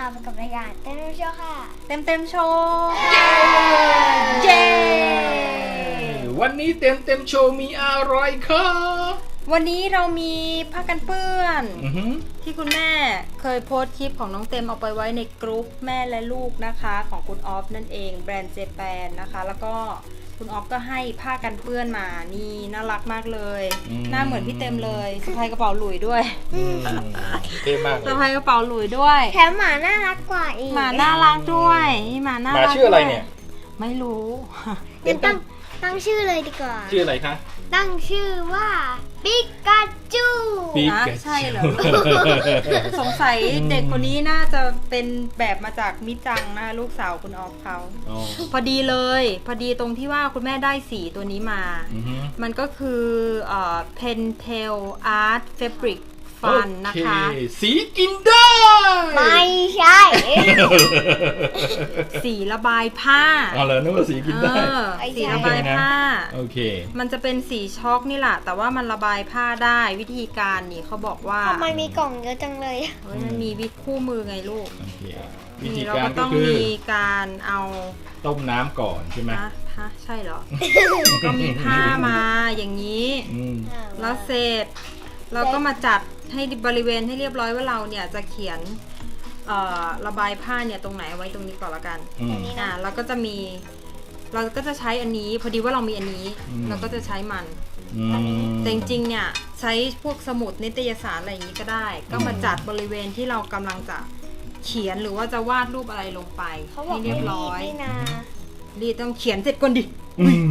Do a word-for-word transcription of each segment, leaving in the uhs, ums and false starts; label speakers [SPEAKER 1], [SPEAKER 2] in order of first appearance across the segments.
[SPEAKER 1] พบกับรายการเต็มเต็มโชว์ค่ะ
[SPEAKER 2] เต็มเต็มโชว์เย้
[SPEAKER 3] วันนี้เต็มเต็มโชว์มีอะไรครับ
[SPEAKER 2] วันนี้เรามีผ้ากันเปื้อน
[SPEAKER 3] อือหือ
[SPEAKER 2] ที่คุณแม่เคยโพสต์คลิปของน้องเต็มเอาไปไว้ในกรุ๊ปแม่และลูกนะคะของคุณออฟนั่นเองแบรนด์เจแปนนะคะแล้วก็คุณออฟก็ให้ผ้ากันเปื้อนมานี่น่ารักมากเลยหน้าเหมือนพี่เต็มเลยสะพายกระเป๋าหลุยด้วย
[SPEAKER 3] อืมเท่มากเล
[SPEAKER 2] สะ
[SPEAKER 3] ย
[SPEAKER 2] พายกระเป๋าหลุยด้วย
[SPEAKER 1] แถมหมาน่ารักกว่าอีก
[SPEAKER 2] หมาน่ารักด้วยนี่หมาน่า
[SPEAKER 3] หมา
[SPEAKER 2] รัก
[SPEAKER 3] ชื่ออะไรเนี่ย
[SPEAKER 2] ไม่รู้
[SPEAKER 1] งั้นตั้งตั้งชื่อเลยดีกว่า
[SPEAKER 3] ชื่ออะไรคะ
[SPEAKER 1] ตั้งชื่อว่าปิกาจู
[SPEAKER 3] ปี
[SPEAKER 2] นะ
[SPEAKER 3] กา
[SPEAKER 2] ใช่เหรอ สงสัยเด็กคนนี้น่าจะเป็นแบบมาจากมิจังนะลูกสาวคุณออฟเขา
[SPEAKER 3] อ๋อ
[SPEAKER 2] พอดีเลย พอดีตรงที่ว่าคุณแม่ได้สีตัวนี้มา
[SPEAKER 3] อือหือ
[SPEAKER 2] มันก็คือเอ่อ Pentel Art Fabric Fun นะคะ
[SPEAKER 3] โอเคสีกินได้
[SPEAKER 1] ไม่ใช่
[SPEAKER 2] สีระบายผ้า
[SPEAKER 3] เอาเลยนึกว่าสีกินได้
[SPEAKER 2] เออสีระบายผ้า
[SPEAKER 3] โอเค
[SPEAKER 2] มันจะเป็นสีช็อกนี่แหละ แต่ว่ามันระบายผ้าได้วิธีการนี่เขาบอกว่า
[SPEAKER 1] ทำไมมีกล่องเยอะจังเลย
[SPEAKER 2] เฮ้ยมันมีวิธีคู่มือไงลูก
[SPEAKER 3] โอเควิ
[SPEAKER 2] นี่
[SPEAKER 3] ธี
[SPEAKER 2] เรา
[SPEAKER 3] การ
[SPEAKER 2] ก็
[SPEAKER 3] ก็
[SPEAKER 2] ต้อง
[SPEAKER 3] คือ
[SPEAKER 2] มีการเอา
[SPEAKER 3] ต้มน้ำก่อนใช่ไหม
[SPEAKER 2] ฮะฮะใช่เหรอ ก็มีผ้ามาอย่างนี้
[SPEAKER 3] อืม
[SPEAKER 2] แล้วเสร็จเราก็มาจัดให้บริเวณให้เรียบร้อยว่าเราเนี่ยจะเขียนเอ่อระบายผ้าเนี่ยตรงไหนเอาไว้ตรงนี้ก่อนละกัน
[SPEAKER 3] อืม
[SPEAKER 2] อ่าเราก็จะมี เราก็จะใช้อันนี้พอดีว่าเรามีอันนี้
[SPEAKER 3] อืม
[SPEAKER 2] เราก็จะใช้มัน
[SPEAKER 3] อืม
[SPEAKER 2] แต่จริงๆเนี่ยใช้พวกสมุดนิตยสารอะไรอย่างนี้ก็ได้ ก็มาจัดบริเวณที่เรากำลังจะเขียนหรือว่าจะวาดรูปอะไรลงไป
[SPEAKER 1] เขาบอก
[SPEAKER 2] ให้เรียบร้อย
[SPEAKER 1] นี่นะ
[SPEAKER 2] รีดต้องเขียนเสร็จก่อนดิ
[SPEAKER 3] อืม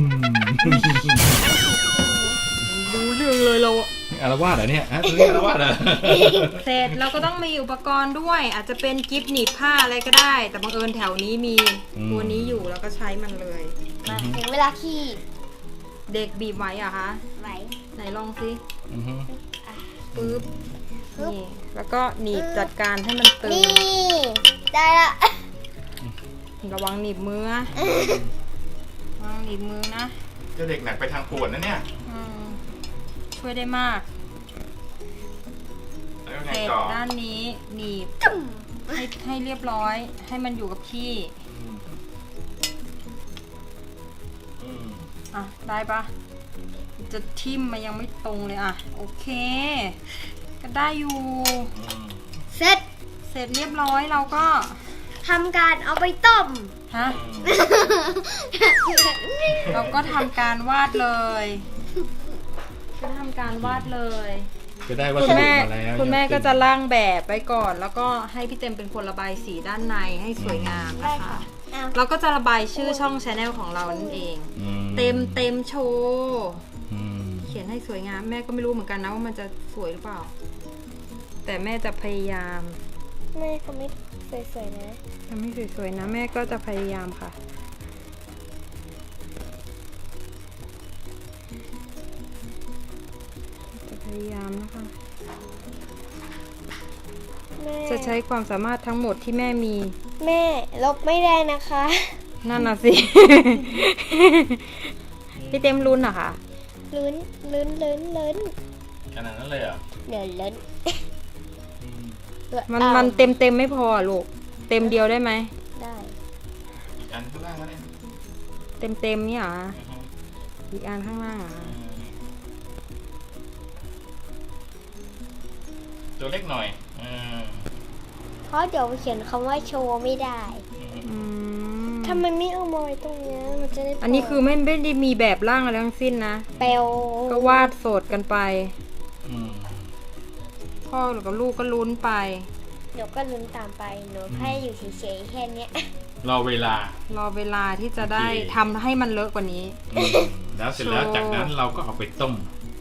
[SPEAKER 2] รู้เรื่องเลยเราอะ
[SPEAKER 3] อารวาสเหรอเนี่ยฮะตัวนี้อารวาสเหรอ
[SPEAKER 2] เสร็จเราก็ต้องมีอุปกรณ์ด้วย อาจจะเป็นกิฟต์หนีบผ้าอะไรก็ได้ แต่บังเอิญแถวนี้มีตัวนี้อยู่แล้วก็ใช้มันเลย
[SPEAKER 1] มาถึงเวลาขี้
[SPEAKER 2] เด็กบีบไว้อะคะ
[SPEAKER 1] ไหว
[SPEAKER 2] ไหนลองสิ
[SPEAKER 3] อือฮึ
[SPEAKER 2] ปึ๊บ
[SPEAKER 1] ปึ๊บ
[SPEAKER 2] นี่แล้วก็หนีบจัดการให้มันตึง
[SPEAKER 1] นี่ได้ละ
[SPEAKER 2] ระวังหนีบมือนะระวังหนีบมือนะ
[SPEAKER 3] เจ้าเด็กหนักไปทางปวดนะเนี่ย
[SPEAKER 2] อืมช่วยได้มาก
[SPEAKER 3] แล้วไง
[SPEAKER 2] เสร็จ
[SPEAKER 3] ต่อ
[SPEAKER 2] ด้านนี้หนีบให้ให้เรียบร้อย ให้มันอยู่กับที่
[SPEAKER 3] อืมอืม
[SPEAKER 2] อ่ะได้ปะจะทิ่มมายังไม่ตรงเลยอ่ะโอเค ก็ได้อยู่
[SPEAKER 3] อืม
[SPEAKER 1] เสร็จ
[SPEAKER 2] เสร็จเรียบร้อยเราก็
[SPEAKER 1] ทำการเอาไปต้ม
[SPEAKER 2] ฮะเราก็ทำการวาดเลย ก็ทำการวาดเลย
[SPEAKER 3] จะได้วั
[SPEAKER 2] คุ
[SPEAKER 3] ส
[SPEAKER 2] ณ
[SPEAKER 3] ดุ
[SPEAKER 2] แม่
[SPEAKER 3] มาแล้ว
[SPEAKER 2] คุณแม่ก็จะร่างแบบไว้ก่อน แล้วก็ให้พี่เต็มเป็นคนระบายสีด้านในให้สวยงาม
[SPEAKER 1] ได้
[SPEAKER 2] นะคะ
[SPEAKER 1] ค่ะเอา
[SPEAKER 2] เราก็จะระบายชื่อช่องชาแนลของเรานั่นเอง
[SPEAKER 3] อื
[SPEAKER 2] เต็มเต็มโชว์
[SPEAKER 3] อืม
[SPEAKER 2] เขียนให้สวยงามแม่ก็ไม่รู้เหมือนกันนะว่ามันจะสวยหรือเปล่า แต่แม่จะพยายาม
[SPEAKER 1] แม่เขาไม่สวยๆนะ
[SPEAKER 2] ทำให้สวยๆนะแม่ก็จะพยายามค่ะจะพยายามนะคะ
[SPEAKER 1] แม่
[SPEAKER 2] จะใช้ความสามารถทั้งหมดที่แม่มี
[SPEAKER 1] แม่ลบไม่ได้นะคะ
[SPEAKER 2] นั่นน่ะสิ พี่เต็มลุ้นเหรอคะ
[SPEAKER 1] ลุ้นลุ้นลุ้นลุ้น
[SPEAKER 3] ขนาดนั้นเลยเหรอ
[SPEAKER 1] เดี๋ยวลุ้น
[SPEAKER 3] อืม
[SPEAKER 2] มัน
[SPEAKER 1] เอา
[SPEAKER 2] มันเต็มเต็มไม่พอลูกเต็มเดียวได้ไหม
[SPEAKER 1] ได้
[SPEAKER 3] อีกอันข้างล่างก็ได้
[SPEAKER 2] เต็มเต็มเนี่ยเหรอ
[SPEAKER 3] อือฮึ
[SPEAKER 2] อีกอันข้างล่างเหรอ
[SPEAKER 3] อืมตัวเล็กหน่อยอืม
[SPEAKER 1] เพราะเดี๋ยวเขียนคำว่าโชว์ไม่ได้
[SPEAKER 2] อืม
[SPEAKER 1] ทำไมไม่เอามาไว้ตรงเนี้ยมันจะได้
[SPEAKER 2] อันนี้คือไม่ไม่ได้มีแบบร่างอะไรทั้งสิ้นนะ
[SPEAKER 1] เปลว
[SPEAKER 2] ก็วาดโสดกันไป
[SPEAKER 3] อืม
[SPEAKER 2] พ่อกับลูกก็ลุ้นไป
[SPEAKER 1] หนูก็ลุ้นตามไปหนูแค่อยู่เฉยๆแค่เนี้ย
[SPEAKER 3] รอเวลาร
[SPEAKER 2] อเวลาที่จะได้
[SPEAKER 3] โอเค
[SPEAKER 2] ทำให้มันเลอะกว่านี้
[SPEAKER 3] อืมแล้วเสร็จแล้ว
[SPEAKER 2] โชว์
[SPEAKER 3] จากนั้นเราก็เอาไปต้ม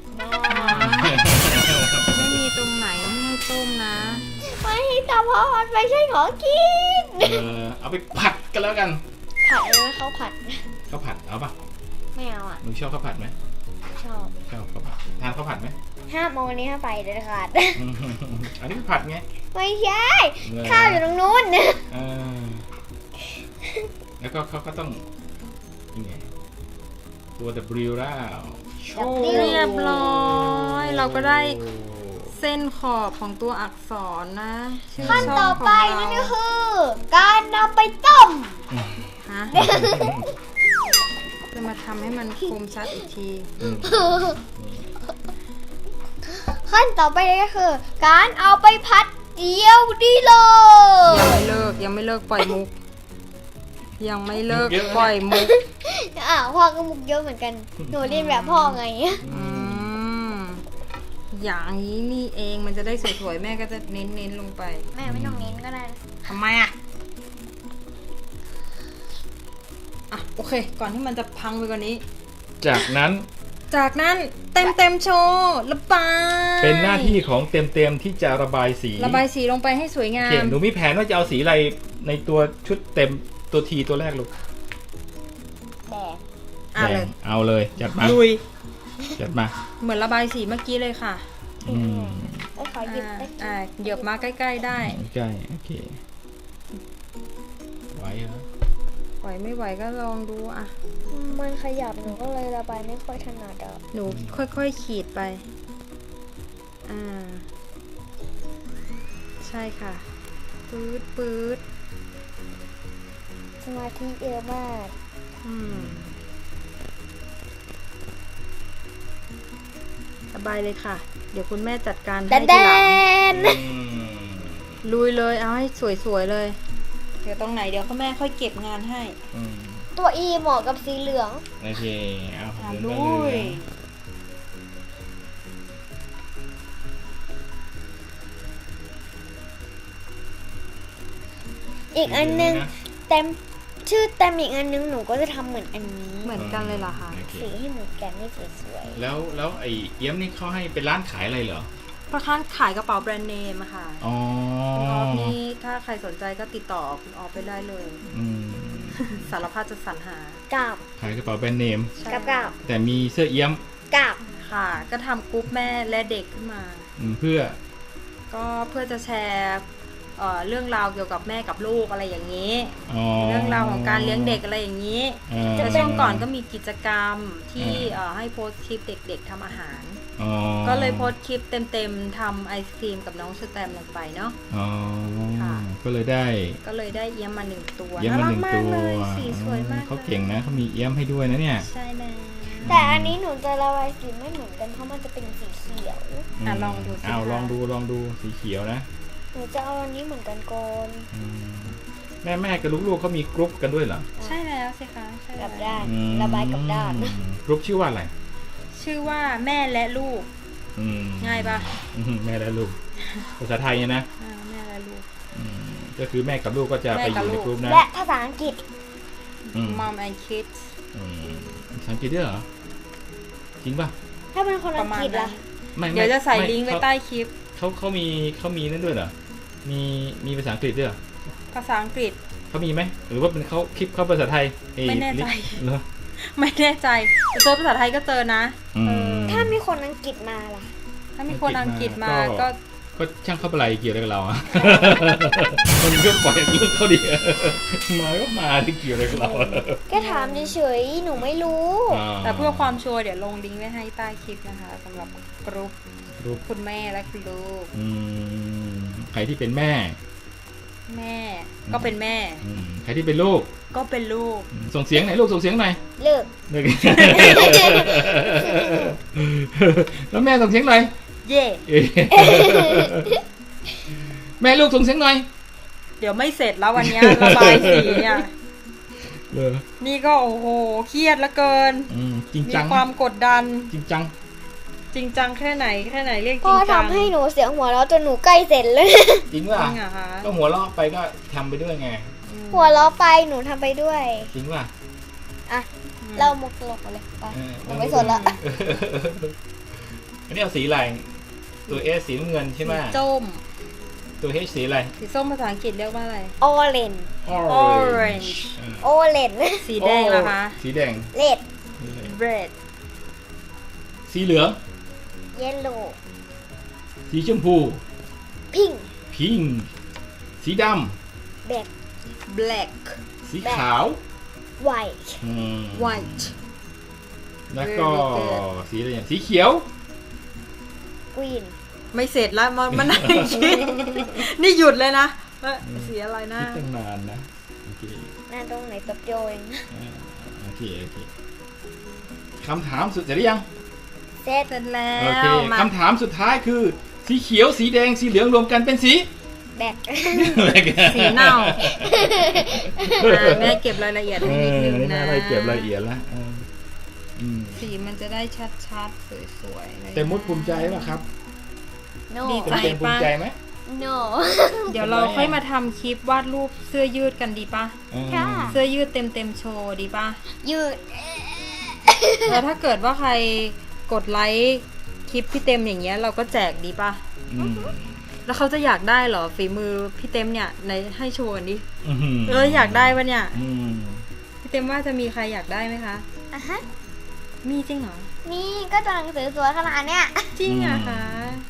[SPEAKER 2] ไม่มีตรงไหนไม่ให้ต้มนะ
[SPEAKER 1] ไม่แต่เพราะมันไม่ใช่ของกิน
[SPEAKER 3] เออเอาไปผัดกันแล้วกัน
[SPEAKER 1] ผัดเลยเขาผัด
[SPEAKER 3] ข้าวผัดเอาปะ
[SPEAKER 1] ไม่เอาอ่ะ
[SPEAKER 3] หนูชอบข้าวผัดไหม
[SPEAKER 1] ชอบ
[SPEAKER 3] ชอบข้าวผัดทานข้าวผัดไหม
[SPEAKER 1] ห้ามเอาวันนี้ห้ามไปเด็ดขาด
[SPEAKER 3] อืมอันนี้ผัดไง
[SPEAKER 1] ไม่ใช่
[SPEAKER 3] เหรอ
[SPEAKER 1] ข้าวอยู่ตรงนู้น
[SPEAKER 3] เออแล้วก็เขาก็ต้องนี่ไงตัว W แล้วโชว์
[SPEAKER 2] เรียบร้อย เราก็ได้เส้นขอบของตัวอักษรนะชื่อ
[SPEAKER 1] ขั้น
[SPEAKER 2] ช่
[SPEAKER 1] ต่
[SPEAKER 2] อ
[SPEAKER 1] อง
[SPEAKER 2] ข
[SPEAKER 1] ไป
[SPEAKER 2] อง
[SPEAKER 1] นั่น
[SPEAKER 2] เรา
[SPEAKER 1] ก็คือ การนำไปต้ม
[SPEAKER 2] ฮะจะมาทำให้มันคมชัดอีกที
[SPEAKER 3] อืม
[SPEAKER 1] ขั้นต่อไปนั่นก็คือ การเอาไปพัดเดียวดีเล
[SPEAKER 2] ยัง
[SPEAKER 1] ย
[SPEAKER 2] ไม่เลิกยังไม่เลิกปล่อยมุก ยังไม่เลิก
[SPEAKER 3] เยอะนะ
[SPEAKER 2] ปล่อยมุก
[SPEAKER 1] อ่ะพ่อก็มุกเยอะเหมือนกัน หนูเรียนแบบพ่อไง
[SPEAKER 2] อืมอย่างนี้นี่เองมันจะได้สวยๆแม่ก็จะเน้นๆลงไป
[SPEAKER 1] แม่ไม่ต้องเน้นก็ได้
[SPEAKER 2] ทำไมอ่ะอ่ะโอเค ก่อนที่มันจะพังไปกว่านี้
[SPEAKER 3] จากนั้น
[SPEAKER 2] จากนั้นเต็มเต็มๆโชว์ระบาย
[SPEAKER 3] เป็นหน้าที่ของเต็มเต็มๆที่จะระบายสี
[SPEAKER 2] ระบายสีลงไปให้สวยงา
[SPEAKER 3] โอเค
[SPEAKER 2] ม
[SPEAKER 3] หนูมีแผนว่าจะเอาสีอะไรในตัวชุดเต็มตัวทีตัวแรกลูก
[SPEAKER 1] แดง
[SPEAKER 2] อ่ะเลย
[SPEAKER 3] แดงเอาเลยจัดมา
[SPEAKER 2] ลุย
[SPEAKER 3] จัดมา
[SPEAKER 2] เหมือนระบายสีเมื่อกี้เลยค่ะ
[SPEAKER 3] อืม
[SPEAKER 1] ไอ้ขอหยิบ
[SPEAKER 2] อ่า
[SPEAKER 1] ได้
[SPEAKER 2] อ่าเหยียบมาใกล้ๆได้
[SPEAKER 3] ใกล้โอเคไหวเหรอ
[SPEAKER 2] ไหวไม่ไหวก็ลองดูอ่ะ
[SPEAKER 1] มันขยับหนูก็เลยระบายไม่ค่อยถนัดอ่ะ
[SPEAKER 2] หนูค่อยๆขีดไป อ่า ใช่ค่ะ ปื๊ดปื๊ด
[SPEAKER 1] สมาธิเยอะมาก
[SPEAKER 2] อืมระบายเลยค่ะ เดี๋ยวคุณแม่จัดการ
[SPEAKER 1] แด
[SPEAKER 2] ให้
[SPEAKER 1] นแด
[SPEAKER 2] ทีหลัง
[SPEAKER 1] น
[SPEAKER 3] อืม
[SPEAKER 2] ลุยเลย เอาให้สวยๆเลย เดี๋ยวตรงไหนเดี๋ยวคุณแม่ค่อยเก็บงานให้
[SPEAKER 3] อืม
[SPEAKER 1] ตัวอีเหมาะกับสีเหลือง
[SPEAKER 3] โอเคเอา
[SPEAKER 2] อ่ะ
[SPEAKER 3] เดิน
[SPEAKER 2] ลุ
[SPEAKER 3] ไปเลย ย
[SPEAKER 1] อีกอันนึงเต็มชื่อเต็มอีกอันนึงหนูก็จะทำเหมือนอันนี้
[SPEAKER 2] เหมือนกันเลยเหรอคะ
[SPEAKER 3] โอเค
[SPEAKER 1] สีให้เหมือนกันไม่สวย
[SPEAKER 3] แล้วแล้วไอ้เอี้ยมนี่เขาให้เป็นร้านขายอะไรเหรอ
[SPEAKER 2] เพราะข้างขายกระเป๋าแบรนด์เนมอะค่ะ
[SPEAKER 3] อ๋อ
[SPEAKER 2] คุณออฟนี่ถ้าใครสนใจก็ติดต่อคุณออฟไปได้เลย
[SPEAKER 3] อืม
[SPEAKER 2] สารพัดจะสรรหา
[SPEAKER 1] ๆกับ
[SPEAKER 3] ขายกระเป๋าแบรนด์เนม
[SPEAKER 2] ใช่
[SPEAKER 1] กับกับ
[SPEAKER 3] แต่มีเสื้อเอี้ยม
[SPEAKER 1] กับ
[SPEAKER 2] ค่ะ ก็ทำกรุ๊ปแม่และเด็กขึ้นมา
[SPEAKER 3] อืมเพื่อ
[SPEAKER 2] ก็เพื่อจะแชร์เอ่อเรื่องราวเกี่ยวกับแม่กับลูกอะไรอย่างนี้
[SPEAKER 3] อ๋อ
[SPEAKER 2] เรื่องราวของการเลี้ยงเด็กอะไรอย่างนี้
[SPEAKER 3] อ่า
[SPEAKER 2] แล้วช่วงก่อนก็มีกิจกรรมที่
[SPEAKER 3] อ่า
[SPEAKER 2] เอ่อให้โพสต์คลิปเด็กๆทำอาหาร
[SPEAKER 3] อ๋อ
[SPEAKER 2] ก็เลยโพสต์คลิปเต็มๆทำไอศครีมกับน้องสแตมลงไปเนาะ
[SPEAKER 3] อ๋อ
[SPEAKER 2] ค่ะ
[SPEAKER 3] ก็เลยได้
[SPEAKER 2] ก็เลยได้เอี้ยมมาหนึ่งตัว
[SPEAKER 3] เอี้ยมมาหนึ่ง
[SPEAKER 2] รัก
[SPEAKER 3] ตั
[SPEAKER 2] ก
[SPEAKER 3] ว
[SPEAKER 2] เลยสีสวยมาก
[SPEAKER 3] เขาเก่งนะเขามีเอี้ยมให้ด้วยนะเนี่ย
[SPEAKER 2] ใช่แล้ว
[SPEAKER 1] แต่อันนี้หนูจะระบายสีไม่เหมือนกันเพราะมันจะเป็นสีเขียว
[SPEAKER 2] อ่ะลองดูสิ
[SPEAKER 3] เอา
[SPEAKER 2] คะ
[SPEAKER 3] ลองดูลองดูสีเขียวนะ
[SPEAKER 1] หนูจะเอาอันนี้เหมือนกันก่อน
[SPEAKER 3] อืมแม่แม่กับลูกๆเขามีกรุ๊ปกันด้วยเหรอ
[SPEAKER 2] ใช่แล้วสิคะใช่
[SPEAKER 1] กับ
[SPEAKER 2] แล้ว
[SPEAKER 1] ด้าน
[SPEAKER 3] อืม
[SPEAKER 1] ระบายกับด้าน
[SPEAKER 3] กรุ๊ปชื่อว่าอะไร
[SPEAKER 2] ชื่อว่าแม่และลูก
[SPEAKER 3] อืม
[SPEAKER 2] ง่ายปะ
[SPEAKER 3] อืมแม่และลูกภาษาไทยเนี่ยนะ
[SPEAKER 2] อ่าแม่และลูก
[SPEAKER 3] อืมก็คือแม่กับลูกก็จะไปอยู่ในกรุ๊ปนะ
[SPEAKER 1] และภาษาอังกฤษ
[SPEAKER 3] อืม
[SPEAKER 2] Mom and Kids
[SPEAKER 3] อืมภาษาอังกฤษด้วยเหรอจริงป่ะ
[SPEAKER 1] ถ้าเป็นคน
[SPEAKER 2] ป
[SPEAKER 1] อั
[SPEAKER 2] ระ
[SPEAKER 1] ง
[SPEAKER 2] มาณ
[SPEAKER 1] กฤษ
[SPEAKER 2] นั้
[SPEAKER 1] ล่ะ
[SPEAKER 2] น
[SPEAKER 3] ไม่ม่
[SPEAKER 2] เดี๋ยวจะใส่
[SPEAKER 3] ม่
[SPEAKER 2] ลิงก์ไว้
[SPEAKER 3] เขา
[SPEAKER 2] ใต้คลิป
[SPEAKER 3] เขาเขามีเขามีนั่นด้วยเหรอมีมีภาษาอังกฤษด้วยเหรอ
[SPEAKER 2] ภาษาอังกฤษ
[SPEAKER 3] เขามีไหมหรือว่าเป็นเขาคลิปเขาภาษาไทยเอ้ย
[SPEAKER 2] ไม่แน่ใจ
[SPEAKER 3] เหรอ
[SPEAKER 2] ไม่แน่ใจแต่ตัวภาษาไทยก็เจอนะ
[SPEAKER 3] อืม
[SPEAKER 1] ถ้ามีคนอังกฤษมาล่ะ
[SPEAKER 2] ถ้ามีคนอังกฤษมา
[SPEAKER 3] ก็
[SPEAKER 2] ก็
[SPEAKER 3] ก็ช่างเข้าไปอะไรเกี่ยวอะไรกับเราอะ มันก็ปล่อยเรื่องเขาดิมาก็มาที่เกี่ยวอะไรกับเราอะ
[SPEAKER 1] แค่ถามเฉยๆ หนูไม่รู้
[SPEAKER 3] อ่า
[SPEAKER 2] แต่เพื่อความชัวร์เดี๋ยวลงลิงก์ไว้ให้ใต้คลิปนะคะสำหรับกรุ๊ป
[SPEAKER 3] รูป
[SPEAKER 2] คุณแม่และคุณลูก
[SPEAKER 3] อืมใครที่เป็นแม่
[SPEAKER 2] แม่ก็เป็นแม่
[SPEAKER 3] อืมใครที่เป็นลูก
[SPEAKER 2] ก็เป็นลูก
[SPEAKER 3] อืมส่งเสียงหน่อยลูกส่งเสียงหน่อย
[SPEAKER 1] เลิก
[SPEAKER 3] เลิก แล้วแม่ส่งเสียงหน่อย
[SPEAKER 2] เย่
[SPEAKER 3] เอ้ยแม่ลูกส่งเสียงหน่อย
[SPEAKER 2] เดี๋ยวไม่เสร็จแล้ววันเนี้ยระบายสีเนี่ย
[SPEAKER 3] เออ
[SPEAKER 2] นี่ก็โอ้โหเครียดเหลือเกิน
[SPEAKER 3] อืมจริง
[SPEAKER 2] มี
[SPEAKER 3] จัง
[SPEAKER 2] ความกดดัน
[SPEAKER 3] จริงจัง
[SPEAKER 2] จริงจังแค่ไหนแค่ไหนเรียกจ
[SPEAKER 1] พ่
[SPEAKER 2] ริ
[SPEAKER 1] อง
[SPEAKER 2] จัง
[SPEAKER 1] ทำให้หนูเสียงหัวเราะจนหนูใกล้เสร็จเลย
[SPEAKER 3] จริง
[SPEAKER 2] จ
[SPEAKER 3] ป่ะ
[SPEAKER 2] ริงเหรอคะ
[SPEAKER 3] ก็หัวเราะไปก็ทำไปด้วยไง
[SPEAKER 2] อืม
[SPEAKER 1] หัวเราะไปหนูทำไปด้วย
[SPEAKER 3] จริงป่ะ
[SPEAKER 1] อ่ะ
[SPEAKER 2] อืม
[SPEAKER 1] เล่ามุกตลกมาเลยไป
[SPEAKER 3] เออ
[SPEAKER 1] หนูไม่สนละ
[SPEAKER 3] อันนี้เอาสีอะไรตัวเอสสีน้ำเงินใช่ไหม
[SPEAKER 2] สีส้ม
[SPEAKER 3] ตัวเฮสีอะไร
[SPEAKER 2] สีส้มภาษาอังกฤษเรียกว่าอะไร
[SPEAKER 1] โอเลน
[SPEAKER 2] Orange
[SPEAKER 1] โอเลน
[SPEAKER 2] สีแดงเหรอคะ
[SPEAKER 3] สีแดง
[SPEAKER 1] เลด
[SPEAKER 2] red
[SPEAKER 3] สีเหลือง
[SPEAKER 1] เยลโล่
[SPEAKER 3] สีชมพู
[SPEAKER 1] พิง
[SPEAKER 3] พิงค์สีด
[SPEAKER 1] แบล็ค
[SPEAKER 2] black
[SPEAKER 3] ำสีขาว
[SPEAKER 1] ไวท์
[SPEAKER 3] อืม
[SPEAKER 2] white
[SPEAKER 3] แล้วก็
[SPEAKER 2] Very good
[SPEAKER 3] สีอะไรอย่างสีเขียว
[SPEAKER 1] กรีน
[SPEAKER 2] ไม่เสร็จแล้วมันมันนั่งคิดนี่หยุดเลยนะเอ้ยสีอะไรนะ
[SPEAKER 3] คิดตั้งนานนะโอเค
[SPEAKER 1] หน้าตรงไหนแป๊บเดียวเอง
[SPEAKER 3] อ่าโอเคโอเคคำถามสุดเสร็จหรือยัง
[SPEAKER 1] เสร็จ
[SPEAKER 2] เสร็จแล้
[SPEAKER 3] โอเคว
[SPEAKER 2] มา
[SPEAKER 3] คำถามสุดท้ายคือ สีเขียวสีแดงสีเหลืองรวมกันเป็นสี
[SPEAKER 1] แบก
[SPEAKER 2] สีเน่าอ่าแม่เก็บรายละเอียด
[SPEAKER 3] เอ
[SPEAKER 2] ให้นิด
[SPEAKER 3] อ
[SPEAKER 2] นึง
[SPEAKER 3] นี่
[SPEAKER 2] นะ
[SPEAKER 3] แม่ได้เก็บรายละเอียดแล้วเอออืม
[SPEAKER 2] สีมันจะได้ชัดๆสวยๆเลย
[SPEAKER 3] เต็มมุดภูมิใจป่ะครับ
[SPEAKER 1] โน
[SPEAKER 2] ดี
[SPEAKER 3] เต็
[SPEAKER 2] ใจ
[SPEAKER 3] มเต็มภูมิใจไหม
[SPEAKER 1] โน
[SPEAKER 2] เดี๋ยวเราค่อยมาทำคลิปวาดรูปเสื้อยืดกันดีปะ
[SPEAKER 3] อืม
[SPEAKER 1] ค่ะ
[SPEAKER 2] เสื้อยืดเต็มเต็มๆโชว์ดีปะ
[SPEAKER 1] ยืด
[SPEAKER 2] แล้วถ้าเกิดว่าใครกดไลค์คลิปพี่เต็มอย่างเงี้ยเราก็แจกดีปะ
[SPEAKER 3] อืม
[SPEAKER 2] แล้วเขาจะอยากได้เหรอฝีมือพี่เต็มเนี่ยในให้โชว์กันดิ
[SPEAKER 3] อืม
[SPEAKER 2] เอออยากได้ปะเนี่ย
[SPEAKER 3] อืม
[SPEAKER 2] พี่เต็มว่าจะมีใครอยากได้ไหมคะ
[SPEAKER 1] อ่ะฮะ
[SPEAKER 2] มีจริงเหรอ
[SPEAKER 1] นี่ก็ตัวหนังสือสวยขนาดเนี้ย
[SPEAKER 2] จริงอะคะ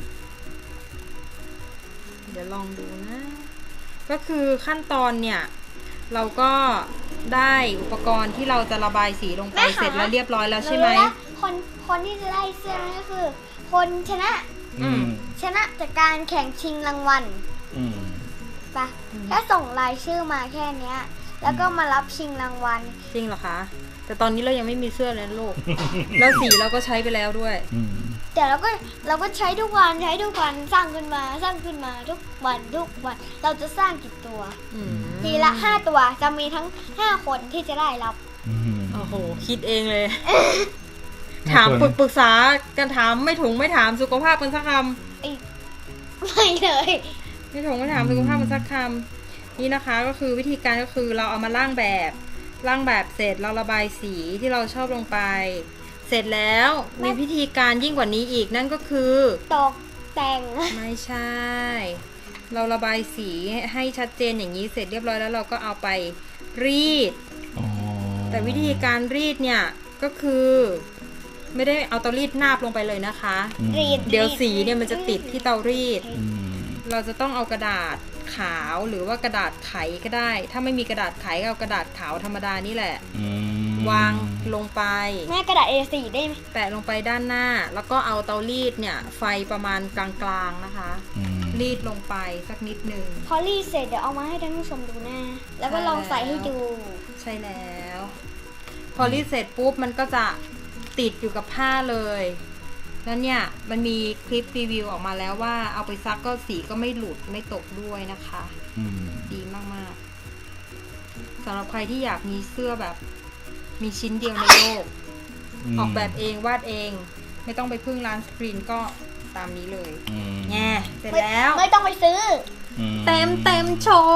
[SPEAKER 2] เดี๋ยวลองดูนะ ก็คือขั้นตอนเนี่ยเราก็ได้อุปกรณ์ที่เราจะระบายสีลงไปเสร็จแล้วเรียบร้อยแล้วใช่ไหม
[SPEAKER 1] รู้แล้วคนคนที่จะได้เสื้อนั่นก็คือ คนชนะ
[SPEAKER 3] อืม
[SPEAKER 1] ชนะจากการแข่งชิงรางวัล
[SPEAKER 3] อืม
[SPEAKER 1] ปะแค่ส่งรายชื่อมาแค่เนี้ย แล้วก็มารับชิงรางวัล
[SPEAKER 2] จริงเหรอคะ แต่ตอนนี้เรายังไม่มีเสื้อเลยนะลูก แล้วสีเราก็ใช้ไปแล้วด้วย
[SPEAKER 3] อืม
[SPEAKER 1] แต่เราก็เราก็ใช้ทุกวันใช้ทุกวันสร้างขึ้นมาสร้างขึ้นมาทุกวันทุกวัน เราจะสร้างกี่ตัว
[SPEAKER 2] อืม
[SPEAKER 1] ทีละห้าตัวจะมีทั้งห้าคนที่จะได้รับ
[SPEAKER 3] อืม
[SPEAKER 2] โอ้โห คิดเองเลย ถามปรึกปรึกษากันถามไม่ถุงไม่ถามสุขภาพกันสักค
[SPEAKER 1] ไม่เลย
[SPEAKER 2] ำไม่ถุงไม่ถามสุขภาพกันสักคำนี่นะคะก็คือวิธีการก็คือเราเอามาร่างแบบร่างแบบเสร็จเราระบายสีที่เราชอบลงไป เสร็จแล้วมีวิธีการยิ่งกว่านี้อีกนั่นก็คือ
[SPEAKER 1] ตกแต่ง
[SPEAKER 2] ไม่ใช่ เราระบายสีให้ชัดเจนอย่างนี้เสร็จเรียบร้อยแล้วเราก็เอาไปรีด
[SPEAKER 3] อ๋อ
[SPEAKER 2] แต่วิธีการรีดเนี่ยก็คือ ไม่ได้เอาเตารีดนาบลงไปเลยนะคะ
[SPEAKER 3] อืม
[SPEAKER 1] รีด
[SPEAKER 2] เดี๋ยวสีเนี่ยมันจะติดที่เตารีด
[SPEAKER 3] อืม
[SPEAKER 2] เราจะต้องเอากระดาษขาวหรือว่ากระดาษไขก็ได้ ถ้าไม่มีกระดาษไขก็เอากระดาษขาวธรรมดานี่แหละ
[SPEAKER 3] อืม
[SPEAKER 2] วางลงไป
[SPEAKER 1] แม่กระดาษ เอ สี่ ได้ไหม
[SPEAKER 2] แปะลงไปด้านหน้า แล้วก็เอาเตารีดเนี่ยไฟประมาณกลางๆนะคะ
[SPEAKER 3] อืม
[SPEAKER 2] รีดลงไปสักนิดหนึ่ง
[SPEAKER 1] พอรีดเสร็จเดี๋ยวเอามาให้ท่านผู้ชมดูหน้าแล้วก็ลองใส่ให้ดู
[SPEAKER 2] ใช่แล้ว พอรีดเสร็จปุ๊บมันก็จะติดอยู่กับผ้าเลยแล้วเนี่ยมันมีคลิปรีวิวออกมาแล้วว่าเอาไปซักก็สีก็ไม่หลุดไม่ตกด้วยนะคะ
[SPEAKER 3] อืม
[SPEAKER 2] ดีมากๆสำหรับใครที่อยากมีเสื้อแบบมีชิ้นเดียวในโลก
[SPEAKER 3] ม
[SPEAKER 2] ออกแบบเองวาดเอง ไม่ต้องไปพึ่งร้านสกรีนก็ตามนี้เลย
[SPEAKER 3] อืม
[SPEAKER 2] แง่เสร็จแล้ว
[SPEAKER 1] ไม่ต้องไปซื้อ
[SPEAKER 3] อื
[SPEAKER 2] เต็มเต็มโชว์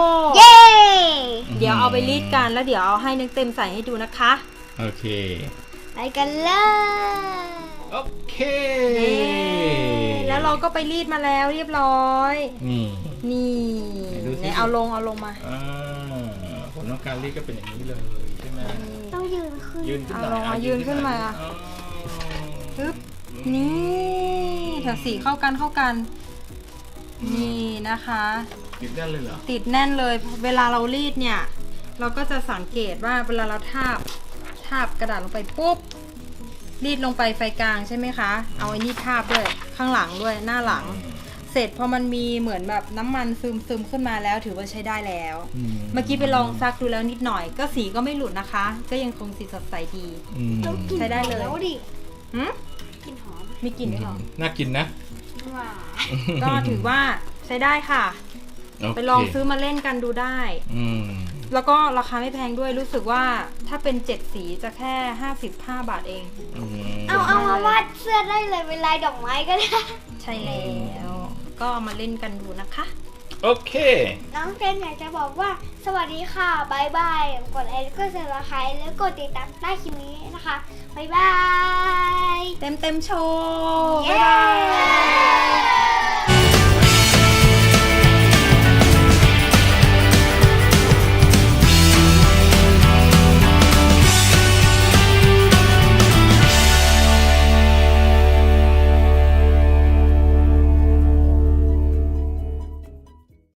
[SPEAKER 1] เย้
[SPEAKER 2] เดี๋ยวเอาไปรีดกันแล้วเดี๋ยวเอาให้นึกเต็มใส่ให้ดูนะคะ
[SPEAKER 3] โอเค
[SPEAKER 1] ไปกันเลย
[SPEAKER 3] โอเค
[SPEAKER 2] แล้วเราก็ไปรีดมาแล้วเรียบร้อย
[SPEAKER 3] นี่
[SPEAKER 2] นี่
[SPEAKER 3] ไหนดูสิ
[SPEAKER 2] ไหนเอาลงเอาลงมา
[SPEAKER 3] อ่าผลของการรีดก็เป็นอย่างนี้เลยใช่ไหม
[SPEAKER 1] ต้องยืนขึ้น
[SPEAKER 3] ยืนขึ้นหน่อย
[SPEAKER 2] เอาลงมา
[SPEAKER 3] อ่ะ
[SPEAKER 2] ยืนขึ้นมา
[SPEAKER 3] อ๋อ
[SPEAKER 2] ปึ๊บนี่แถวสีเข้ากันเข้ากัน นี่นะคะ
[SPEAKER 3] ติดได้เลยเหรอ
[SPEAKER 2] ติดแน่นเลย เวลาเรารีดเนี่ย เราก็จะสังเกตว่าเวลาเราทาบทาบกระดาษลงไปปุ๊บรีดลงไปไฟกลางใช่ไหมคะ เอาไอ้นี่ทาบด้วยข้างหลังด้วยหน้าหลัง เสร็จพอมันมีเหมือนแบบน้ำมันซึมซึมขึ้นมาแล้วถือว่าใช้ได้แล้ว
[SPEAKER 3] อื
[SPEAKER 2] เมื่อกี้ไปลองซักดูแล้วนิดหน่อย ก็สีก็ไม่หลุดนะคะ ก็ยังคงสีสดใสดี
[SPEAKER 3] อืม
[SPEAKER 1] ต้องกิน
[SPEAKER 2] ใช้ได้เลย
[SPEAKER 1] แล้วดิ
[SPEAKER 2] หืม
[SPEAKER 1] กลินหอม
[SPEAKER 2] มีกลิ่นด้วยเหรอ
[SPEAKER 3] น่ากินนะ
[SPEAKER 1] ว้า
[SPEAKER 2] ก็ถือว่าใช้ได้ค่ะ
[SPEAKER 3] โเค
[SPEAKER 2] ไปลองซื้อมาเล่นกันดูได้
[SPEAKER 3] อืม
[SPEAKER 2] แล้วก็ราคาไม่แพงด้วยรู้สึกว่าถ้าเป็นเจ็ดสีจะแค่ห้าสิบห้าบาทเอง
[SPEAKER 3] อืม
[SPEAKER 1] เอาเอามาวาดเสื้อได้เลยเป็นลายดอกไม้ก็ได้
[SPEAKER 2] ใช่แล้ว ก็เอามาเล่นกันดูนะคะ
[SPEAKER 3] โอเค
[SPEAKER 1] น้องเฟรนอยากจะบอกว่าสวัสดีค่ะบายบาย กดไลค์กดแชร์ไลค์แล้วกดติดตามใต้คลิปนี้นะคะบายบาย
[SPEAKER 2] เต็มเต็มโชว์
[SPEAKER 1] เย้
[SPEAKER 2] บ๊ายบาย